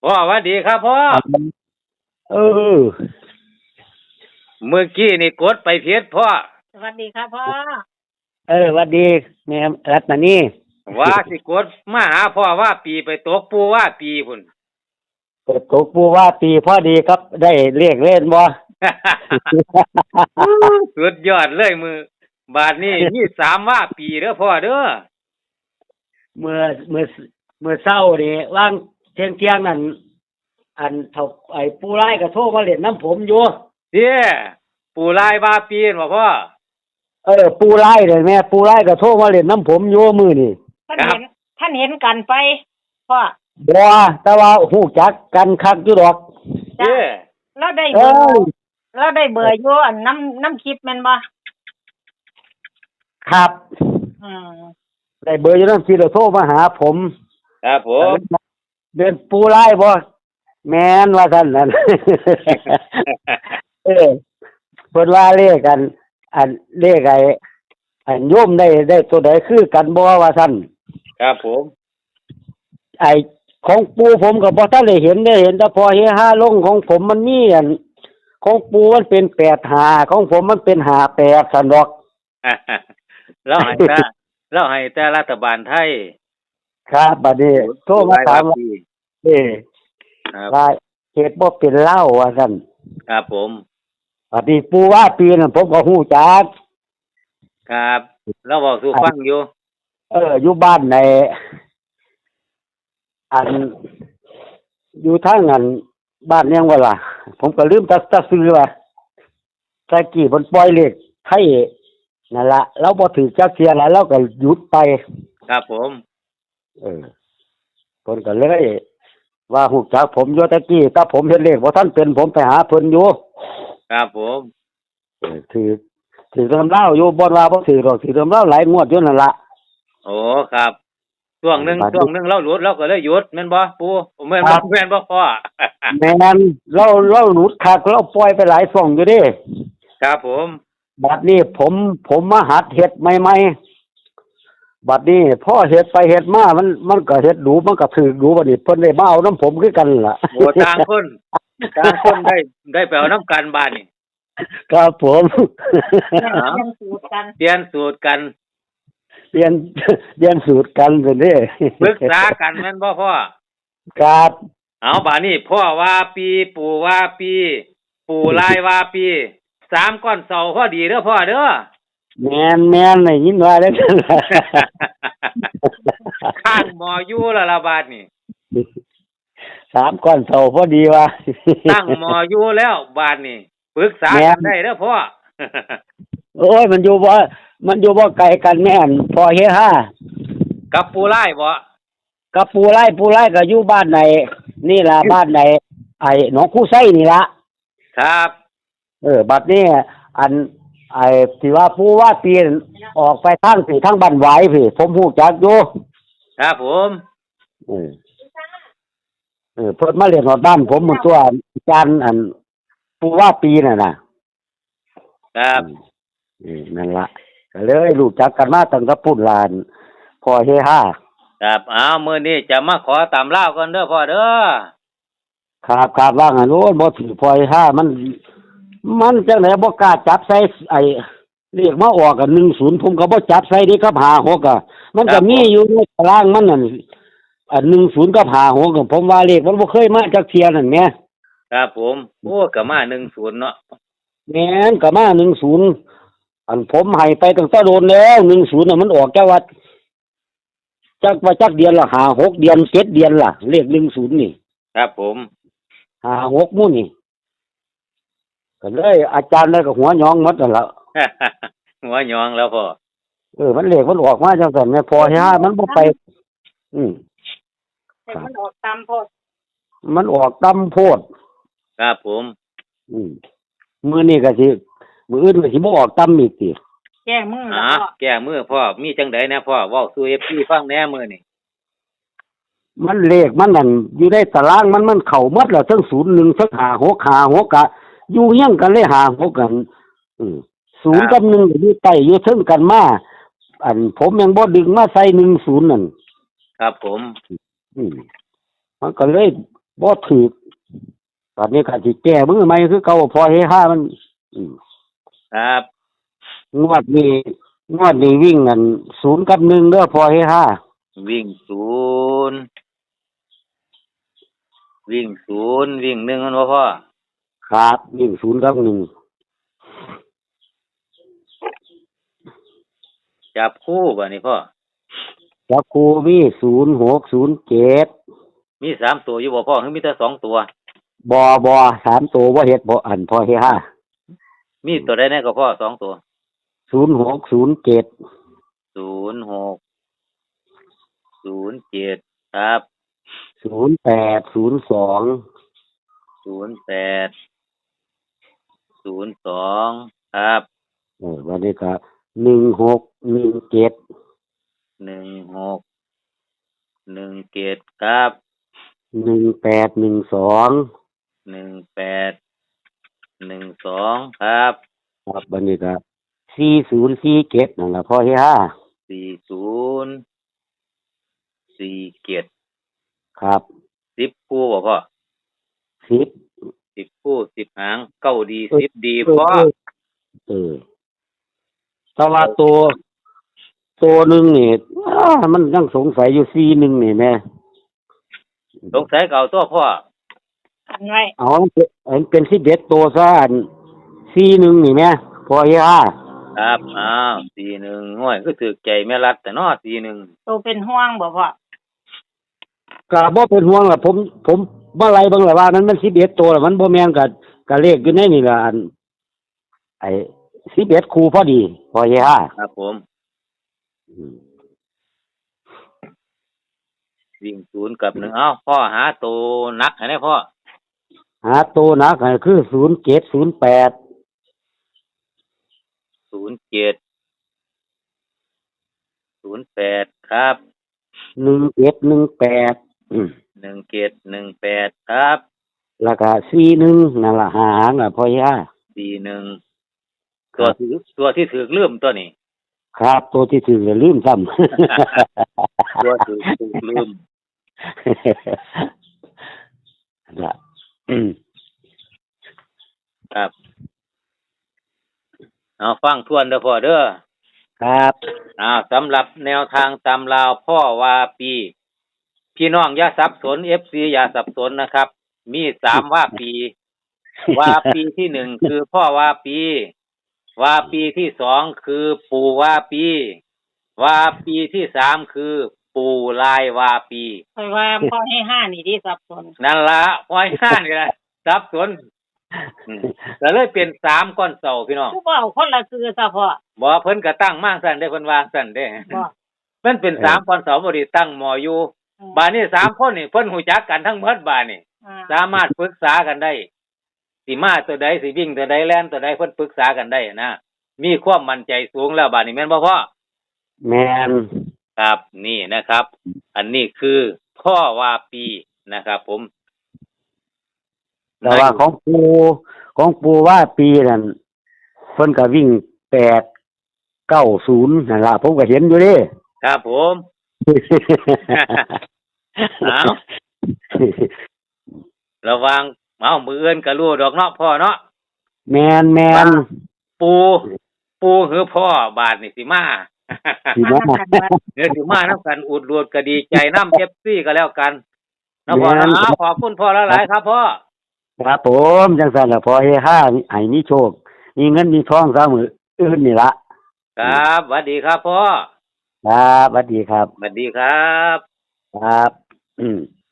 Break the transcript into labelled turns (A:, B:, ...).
A: พ่อสวัสดีครับพ่อ
B: เออ
A: เมื่อกี้นี่กดไปเพียพ่อ
C: สวัสดีครับพ่อ
B: หวัดดีแม่รัตนานี่
A: ว่าสิกดมาหาพ่อว่าปีไปตกปูว่าปีพุ่น
B: เปิดตกปูว่าตีพอดีครับได้เรียกเล่นบ่
A: สุดยอดเลยมือบาทนี้มี3ว่าปีเด้อพ่อเด้อ
B: เมื่อเมื่อเมื่อเช้านี่ว่างเที่ยงนั่นอันเท่าไอ้ปูไล่ก็โทรมาเล่นน้ำผมอยู่
A: เด้ปูลายว่าปีนบ่พ่อ
B: ปูไล่เลยแม่ปูไล่ก็โทรมาเล่นน้ำผมอยู่มื้อนี่
C: ท่านเห็นกันไปพ่อ
B: บ่แต่ว่าฮู้จักกันคักอยู่ดอก
A: เด้
C: แล้วได้เบอร์แล้วได้เบอร์อยู่อันน้ำคลิปแม่นบ่
B: ครับ
C: อืม
B: ได้เบอร์อยู่น้ำคลิปแล้วโทรมาหาผม
A: ครับผม
B: เดินปูไล่บ่แม่นว่าซั่นนั่น เพิ่นว่าเลขกันอันเลขอันโยมได้ตัวใดคือกันบ่ว่าซั่น
A: ครับผม
B: ไอ้ของปู่ผมก็บ่ทันได้เห็นแต่พอเฮฮาลงของผมมันมีอันของปู่มันเป็น85ของผมมันเป็น58ซั่นดอก
A: เราให้แต่รัฐบาลไทย
B: ครับบัดนี้โทรมาถามว่าว่าเฮ็ดบ่เป็นเล่าว่าซั่น
A: ครับผม
B: บัดนี้ปู่ว่าปีนั้นผมก็ฮู้จัก
A: ครับเราเว้าสู่ฟังอยู่
B: อยู่บ้านในอันอยู่ทางอันบ้านยังว่าล่ะผมก็ลืมตะซื้อว่าตะกี้เพิ่นปล่อยเลขไทยนั่นล่ะเราบ่ถือจักเที่ยแล้วเราก็หยุดไป
A: ครับผม
B: เพิ่นก็เลยว่าฮู้จักผมอยู่ตะกี้ถ้าผมเฮ็ดเลขบ่ทันเป็นผมไปหาเพิ่นอยู่
A: ครับผม
B: ถือตำเล่าอยู่บ่ว่าบ่ถือดอกถือตำเล่าหลายงวดอยู่นั่นล่ะ
A: โอ้ครับช่วงหนึงเราหลุดเราก็เลยหยุดแม่นบ่ปู่แม่นบ่พ่อ
B: แม่นเราหลุดคักเราปล่อยไปหลายช่องอยู่เด้
A: ครับผม
B: บัดนี้ผมมาหัดเฮ็ดใหม่ๆบัดนี้พอเฮ็ดไปเฮ็ดมามันก็เฮ็ดดูมันก็ถือดูบัดนี้เพิ่นได้มาเอาน้ำผมคือกันล่ะ
A: โอ้ต่างคนได้ไปเอาน้ำกันบาดนี่
B: ครับผม
A: เปลี่ยนสูตรกัน
B: เปลี่ยนสูตรกันเพิ่นเด้
A: ปรึกษากันแม่นบ่พ่อ
B: ครับ
A: เอาบาดนี้พ่อว่าปีปู่ว่าปีปู่ลายว่าปี3ก้อนเสาพอดีเด้อพ่อเด้อ
B: แม่นได้ยินว่าแล้วกันล่ะ
A: ข้างหมออยู่ละบาดนี่
B: 3ก้อนเสาพอดีว่า
A: ตั้งหมออยู่แล้วบาดนี่ปรึกษากันได้เด้อพ่อ
B: โอ้ยมันอยู่บ่ไกลกันแม่นพอเฮฮา
A: กับปูไล่บ่
B: กับปูไล่ก็อยู่บ้านไหนนี่ล่ะบ้านไหนไอ้หนองคู่ไส้นี่ล่ะ
A: ครับ
B: บัดนี้อันไอ้ที่ว่าปูว่าปีนออกไปทางบ้านหวายพี่ผมฮู้จักอยู่
A: ครับผม
B: เพิ่นมาเรียนฮอดบ้านผมมื้อตัวอาจารย์อันปูว่าปีนั่นน่ะ
A: ครับ
B: นั่นล่ะก็เลยรู้จักกันมาตั้งแต่พุ่นลานพอเฮฮา
A: ครับมื้อนี้จะมาขอตามลาวก่อนเด้อพ่อเด้อ
B: ครับว่างั้นโอ้บ่ถือพอเฮฮามันจังได๋บ่กล้าจับใส่ไอ้เลขมาออกกัน10ผมก็บ่จับใส่เด้ครับ56อ่ะมันก็มีอยู่ในตารางมันนั่นอัน10กับ56ก็ผมว่าเลขมันบ่เคยมาจักเที่ยนั่นแหม
A: ครับผมโอ้ก็มา10เนาะ
B: แม่นก็มา10อันผมให้ไปตั้งแต่โดนแล้ว10น่ะมันออกแค่ว่าจักเดือนละ5-6เดือน7เดือนล่ะเลข10นี่
A: ครับผม
B: 5-6มื้อนี่ก็เลยอาจารย์เลยก็หัวหยองหมดนั่นล่ะ
A: หัวหยองแล้วพ่อ
B: มันเลขมันออกมาจังซั่นแม่พอเฮฮามันบ่ไป
C: แต่มันออกตามโพด
B: มันออกตามโพด
A: ครับผม
B: มื้อนี้ก็สิมื้ออื่นก็สิบ่ออกตามอีกติ
C: แก้มือแล้วพ่อ
A: แก้มือพ่อมีจังได๋นะพ่อเว้าสู่ FC ฟังแหน่มื้อนี้
B: มันเลขมันนั่นอยู่ในตารางมันเข้าหมดแล้วทั้ง01ทั้ง56ก็อยู่เฮียงกันเลย56กัน0กับ1ก็อยู่ใต้อยู่เทิงกันมาอันผมยังบ่ดึงมาใส่10นั่น
A: ครับผม
B: มันก็เลยบ่ถูกตอนนี้ก็สิแก้มือใหม่คือเก่าพอเฮฮามันอืม
A: ครับ
B: งวดนี้วิ่งกัน0 กับ 1เด้อพอเฮฮา
A: วิ่งศูนย์วิ่งศูนย์วิ่งหนึ่งมันบ่พ่อ
B: ครับวิ่ง0 กับ 1
A: จับคู่บ่นี่พ่อ
B: จับคู่มี0 6 0 7
A: มีสามตัวอยู่บ่พ่อหรือมีแต่สองตัว
B: บ่3ตัวบ่เฮ็ดบ่อันพอเฮฮา
A: มีตัวใดแน่ก็พ่อสองตัว
B: 0 6 0 7
A: 06 07ครับ
B: 0 8 0 2
A: 08 02ครับ
B: วันนี้ก็1 6 1 7
A: 16 17ครับ
B: 1 8 1 2
A: 18 12ครับ
B: ครับวันนี้ก็40 47นั่นล่ะพอเฮฮา
A: 40 47
B: ครับ
A: 10คู่บ่พ่อ
B: 10
A: 10คู่10หางเก้าดี10ดีพ่อ
B: แต่ว่าตัวหนึงนี่มันยังสงสัยอยู่41นี่แม่
A: สงสัยเก่าตัวพ่อ
C: กันไว้
B: เอามันเป็น11ตัวซะอัน41นี่แม่พอเฮฮา
A: ครับอ้าว41ห้วยคือถูกใจแม่รัดแต่น้อ41
C: โตเป็นห่วงบ่พ่อ
B: ก็บ่เป็นห่วงล่ะผมบ่ไล่เบิ่งล่ะว่ามัน11ตัวล่ะมันบ่แม่นก็เลขอยู่ในนี่ล่ะอันไอ้11คู่พอดีพอเฮฮา
A: ครับผม วิ่งศูนย์กับ1เอ้าพ่อหาตัวหนักให้ได้พ่อ
B: หาตัวหนักให้คือ07 08
A: 07 08ครับ
B: 17 18
A: 1718ครับ
B: แล้วก็41นั่นล่ะหาหางอ่ะพอเฮฮา
A: 41ตัวที่ถือลืมตัวนี้
B: ครับตัวที่ถือแล้วลืมซ้ำ
A: ตัวถือลืม
B: ล่ะ
A: ครับเอาฟังทวนเด้อพ่อเด้อ
B: ครับ
A: สำหรับแนวทางตำราวพ่อวาปี พี่น้องอย่าสับสน FC อย่าสับสนนะครับ มี3ว่าปี วาปีที่1คือพ่อวาปี วาปีที่2คือปู่วาปี วาปีที่3คือปู่ลายวาปี
C: คอยว่าพ่อให้ห้านี่ที่สับสน
A: นั่นละปล่อยข้านกันสับสนก็เลยเป็น3ก้อนเสาพี่น้อง
C: ผู้บ่เอาคนละคือซะพ่อ
A: บ่เพิ่นก็ตั้งมางซั่นเด้เพิ่นวางซั่นเด้
C: บ่
A: มันเป็น3ก้อนเสาบ่ได้ตั้งหมออยู่บาดนี้3คนนี่เพิ่นฮู้จักกันทั้งหมดบาดนี้สามารถปรึกษากันได้สิมาตัวใดสิวิ่งตัวใดแล่นตัวใดเพิ่นปรึกษากันได้นะมีความมั่นใจสูงแล้วบาดนี้แม่นบ่พ่อ
B: แม่น
A: ครับนี่นะครับ อันนี้คือพ่อวาปีนะครับผม
B: แต่ว่าของปูว่าปีนั่นเพิ่นก็วิ่ง890นั่นล่ะผมก็เห็นอยู่เด้
A: ครับผม เอาระวังมืออื่นก็รู้ดอกเนาะพ่อเนาะ
B: แม่น
A: ปูคือพ่อบาดนี่สิมา
B: สิมา
A: เดี๋ยวสิมานํกันอุดรวดก็ดีใจนำ FC ก็แล้วกันนะพ่อนะขอบคุณพ่อหลายๆครับพ่อ
B: ครับผมจังซั่นล่ะพอเฮฮาให้มีโชคมีเงินมีทองซะมื้ออื่นนี่ล่ะ
A: ครับสวัสดีครับพ่อ
B: ครับสวัสดีครับ
A: สวัสดีครับ
B: ครับ